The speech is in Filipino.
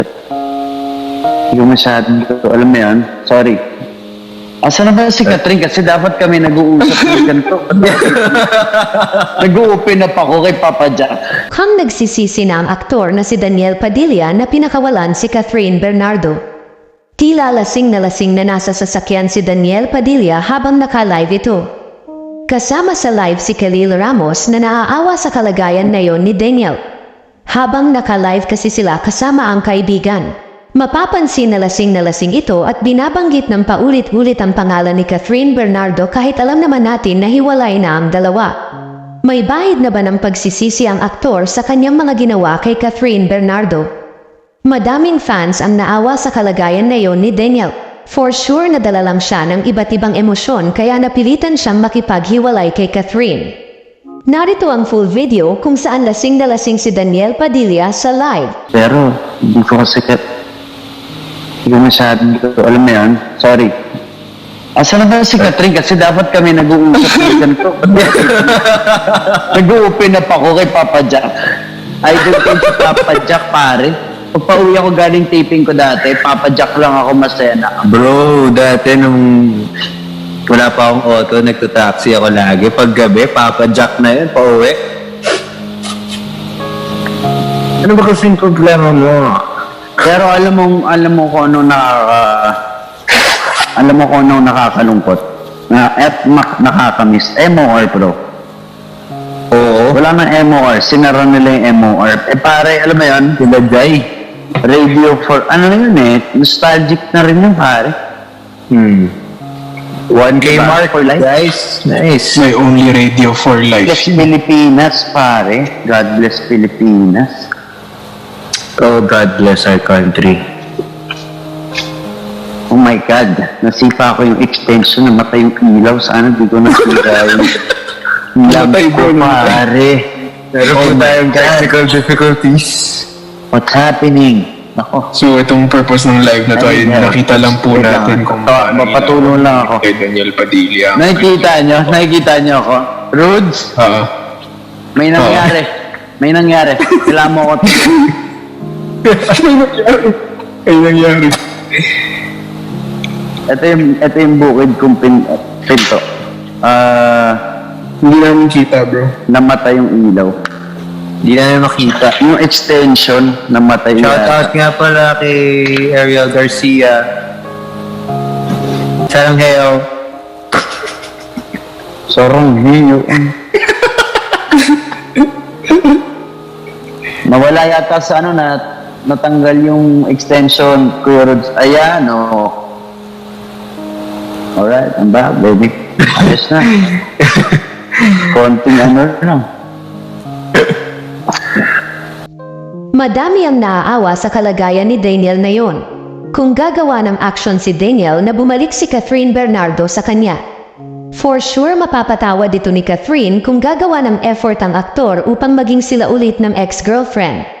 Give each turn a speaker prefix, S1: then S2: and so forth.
S1: Hindi ko masyadong alam mo yan. Sorry. Asa na ba si Catherine? Kasi dapat kami nag-uusap ng ganito. Nag-open up ako kay Papa Jack.
S2: Kang nagsisisi na ang aktor na si Daniel Padilla na pinakawalan si Catherine Bernardo. Tila lasing na nasa sasakyan si Daniel Padilla habang naka-live ito. Kasama sa live si Khalil Ramos na naaawa sa kalagayan na yon ni Daniel. Habang naka-live kasi sila kasama ang kaibigan. Mapapansin na lasing ito at binabanggit ng paulit-ulit ang pangalan ni Catherine Bernardo kahit alam naman natin na hiwalay na ang dalawa. May bahid na ba ng pagsisisi ang aktor sa kanyang mga ginawa kay Catherine Bernardo? Madaming fans ang naawa sa kalagayan na yon ni Daniel. For sure nadala lang siya ng iba't ibang emosyon kaya napilitan siyang makipaghiwalay kay Catherine. Narito ang full video kung saan lasing na lasing si Daniel Padilla sa live.
S1: Pero, hindi ko kasi hindi ko masyadong alam mo yan. Sorry. Asa na ba si Catherine? Kasi dapat kami nag-uusap ng ganito. Nag-open up ako kay Papa Jack. Idol ko si Papa Jack, pare. Pag pauwi ako galing taping ko dati, Papa Jack lang ako masaya na.
S3: Bro, dati nung wala pa akong auto, nagtataxi ako lagi. Pag gabi, Papa Jack na yun, pauwi. Ano ba kasing problema mo?
S1: Pero alam mo kung anong nakakalungkot. At nakakamiss. MOR, bro.
S3: Oo.
S1: Wala nang MOR. Sinara nila yung MOR. Eh pare, alam mo yun?
S3: Dilagay.
S1: Radio for, ano na yun eh? Nostalgic na rin yun, pare.
S3: 1K
S1: Diba?
S3: mark,
S1: For life?
S3: guys. Nice.
S4: My only radio for life.
S1: Bless Pilipinas, pare. God bless Pilipinas.
S3: Oh, God bless our country.
S1: Oh my God. Nasipa ko yung extension. Namatay yung ilaw. Sana di ko nasira yung
S4: Namatay
S1: lamp ko,
S4: ba?
S1: pare.
S3: Meron po tayong technical difficulties.
S1: What's happening? Ako.
S4: So, itong purpose ng live na to ay
S1: Ay,
S4: nakita lang po
S1: wait
S4: natin
S1: lang.
S4: kung
S1: Mapatulong lang ako.
S4: kay Daniel Padilla.
S1: Nakikita nyo ako? Rudes, may nangyari. May nangyari. Kailangan mo ako.
S4: Ay nangyari.
S1: Ito yung bukid kong pinto.
S4: Hindi namin kita, bro.
S1: Namatay yung ilaw.
S3: Hindi na makita.
S1: Yung extension, namatay yung
S3: Shoutout nga pala kay Ariel Garcia. Sarang heyo.
S1: Sorong hiyo. Nawala yata sa ano na natanggal yung extension, Kuya Rods. Ayan, o. Alright, I'm back, baby. Ayos na. Konting ano lang.
S2: Madami ang naaawa sa kalagayan ni Daniel na yon. Kung gagawa ng action si Daniel na bumalik si Catherine Bernardo sa kanya. For sure mapapatawa dito ni Catherine kung gagawa ng effort ang aktor upang maging sila ulit ng ex-girlfriend.